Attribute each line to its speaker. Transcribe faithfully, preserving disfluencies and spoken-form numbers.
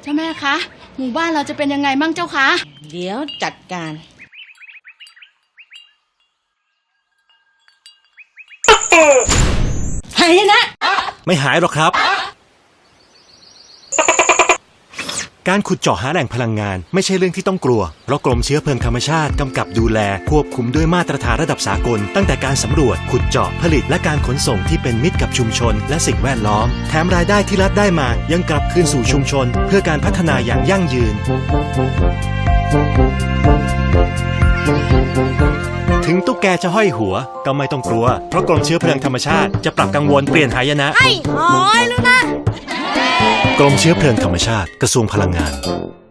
Speaker 1: เจ้าแม่คะหมู่บ้านเราจะเป็นยังไงมั่งเจ้าคะ
Speaker 2: เดี๋ยวจัดการหายนะ
Speaker 3: ไม่หายหรอกครับการขุดเจาะหาแหล่งพลังงานไม่ใช่เรื่องที่ต้องกลัวเพราะกรมเชื้อเพลิงธรรมชาติกำกับดูแลควบคุมด้วยมาตรฐานระดับสากลตั้งแต่การสำรวจขุดเจาะผลิตและการขนส่งที่เป็นมิตรกับชุมชนและสิ่งแวดล้อมแถมรายได้ที่รัฐได้มายังกลับคืนสู่ชุมชนเพื่อการพัฒนาอย่างยั่งยืนถึงตุ๊กแกจะห้อยหัวก็ไม่ต้องกลัวเพราะกรมเชื้อเพลิงธรรมชาติจะปรับกังวลเปลี่ยนหายนะ
Speaker 2: ให้หอยแล้วนะ
Speaker 3: กรมเชื้อเพลิงธรรมชาติกระทรวงพลังงาน